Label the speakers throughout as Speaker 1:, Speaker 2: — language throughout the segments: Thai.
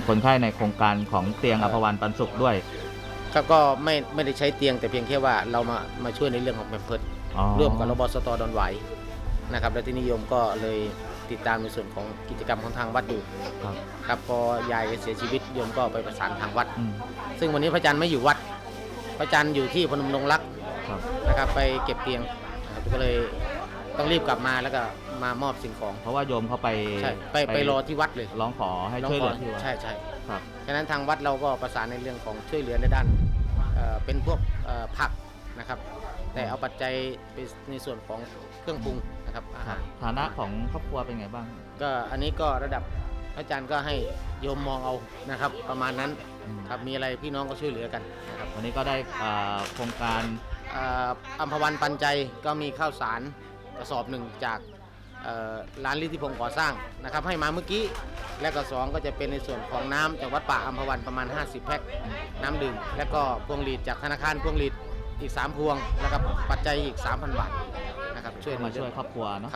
Speaker 1: คนไข้ในโครงการของเตียงอัภวันปันสุขด้วย
Speaker 2: ครับก็ไม่ได้ใช้เตียงแต่เพียงแค่ว่าเรามาช่วยในเรื่องของแพมเพิร์สร่วมกับรบสต.ดอนหวายนะครับและที่นิยมก็เลยติดตามในส่วนของกิจกรรมของทางวัดอยู่ครับพอยายเสียชีวิตโยมก็ไปประสานทางวัดซึ่งวันนี้พระอาจารย์ไม่อยู่วัดพระอาจารย์อยู่ที่พนมดงรักนะครับไปเก็บเตียงก็เลยต้องรีบกลับมาแล้วก็มามอบสิ่งของ
Speaker 1: เพราะว่าโยมเขาไป
Speaker 2: ไปรอที่วัดเลย
Speaker 1: ร้องขอให้ช่วยเหลือที่วัด
Speaker 2: ใช่ครับฉะนั้นทางวัดเราก็ประสานในเรื่องของช่วยเหลือในด้านเป็นพวกผักนะครับแต่เอาปัจจัยในส่วนของเครื่องปรุงนะครับอาหาร
Speaker 1: ฐานะของครอบครัวเป็นไงบ้าง
Speaker 2: ก็อันนี้ก็ระดับอาจารย์ก็ให้โยมมองเอานะครับประมาณนั้นครับมีอะไรพี่น้องก็ช่วยเหลือกันนะครับ
Speaker 1: วันนี้ก็ได้โครงการ
Speaker 2: อัมพวันปันใจก็มีข้าวสารกระสอบหนึ่งจากร้านฤทธิพงศ์ก่อสร้างนะครับให้มาเมื่อกี้และก็2ก็จะเป็นในส่วนของน้ำจากวัดป่าอัมพวันประมาณ50แพ็คน้ำดื่มและก็พวงหรีดจากธนาคารพวงหรีดอีก3พวงแล้วก็ปัจจัยอีก 3,000 บาทนะครับช่วย
Speaker 1: มาช่วยครอบครัวเนาะ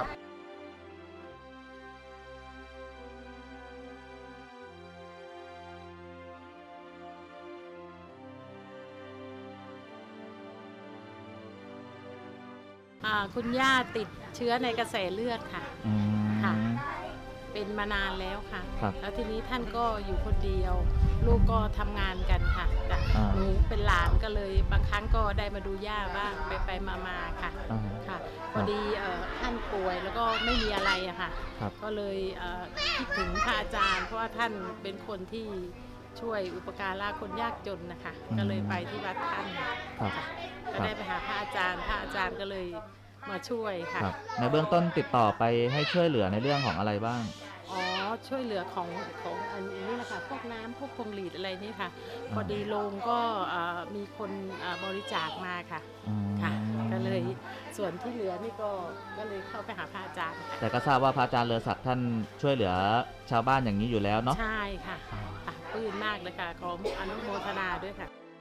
Speaker 3: คุณย่าติดเชื้อในกระแสเลือดค่ะเป็นมานานแล้วค่ะแล้วทีนี้ท่านก็อยู่คนเดียวลูกก็ทำงานกันค่ะหนูเป็นหลานก็เลยบางครั้งก็ได้มาดูย่าบ้างไปมาค่ะพอดีท่านป่วยแล้วก็ไม่มีอะไรอะค่ะก็เลยคิดถึงพระอาจารย์เพราะว่าท่านเป็นคนที่ช่วยอุปการะคนยากจนนะคะก็เลยไปที่วัดท่านก็ได้ไปหาพระอาจารย์ก็เลยมาช่วยค่ะ
Speaker 1: ในเบื้องต้นติดต่อไปให้ช่วยเหลือในเรื่องของอะไรบ้าง
Speaker 3: ช่วยเหลือของอันนี้นะคะพวกน้ำพวกพวงหรีดอะไรนี่ค่ะพอดีโรงก็มีคนบริจาคมาค่ะก็เลยส่วนที่เหลือนี่ก็เลยเข้าไปหาพระอาจารย์
Speaker 1: แต่ก็ทราบว่าพระอาจารย์เลอศักดิ์ท่านช่วยเหลือชาวบ้านอย่างนี้อยู่แล้วเนาะ
Speaker 3: ใช่ค่ะปลื้มมากเลยค่ะขออนุโมทนาด้วยค่ะ